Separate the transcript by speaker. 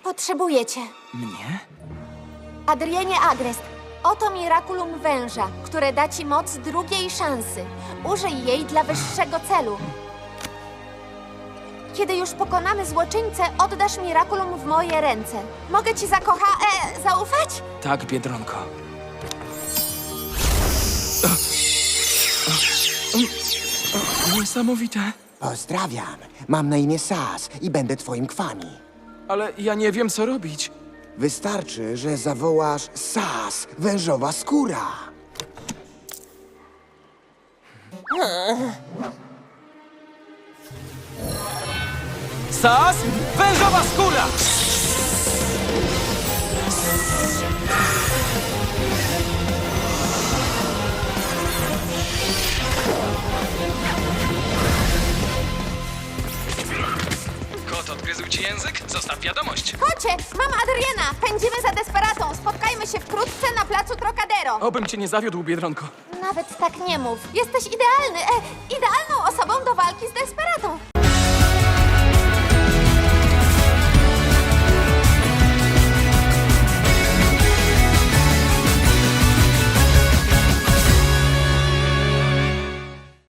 Speaker 1: Potrzebuję cię.
Speaker 2: Mnie?
Speaker 1: Adrienie Agrest, oto Miraculum Węża, które da ci moc drugiej szansy. Użyj jej dla wyższego celu. Kiedy już pokonamy złoczyńcę, oddasz Miraculum w moje ręce. Mogę ci zaufać?
Speaker 2: Tak, Biedronko. Niesamowite.
Speaker 3: Pozdrawiam. Mam na imię Sas i będę twoim kwami.
Speaker 2: Ale ja nie wiem, co robić.
Speaker 3: Wystarczy, że zawołasz Sas, wężowa skóra.
Speaker 2: Sas, wężowa skóra! Kot odgryzł ci język? Zostaw wiadomość.
Speaker 1: Kocie, mam Adriena! Pędzimy za Desperatą. Spotkajmy się wkrótce na placu Trocadero.
Speaker 2: Obym cię nie zawiódł, Biedronko.
Speaker 1: Nawet tak nie mów. Jesteś idealny, idealną osobą do walki z Desperatą.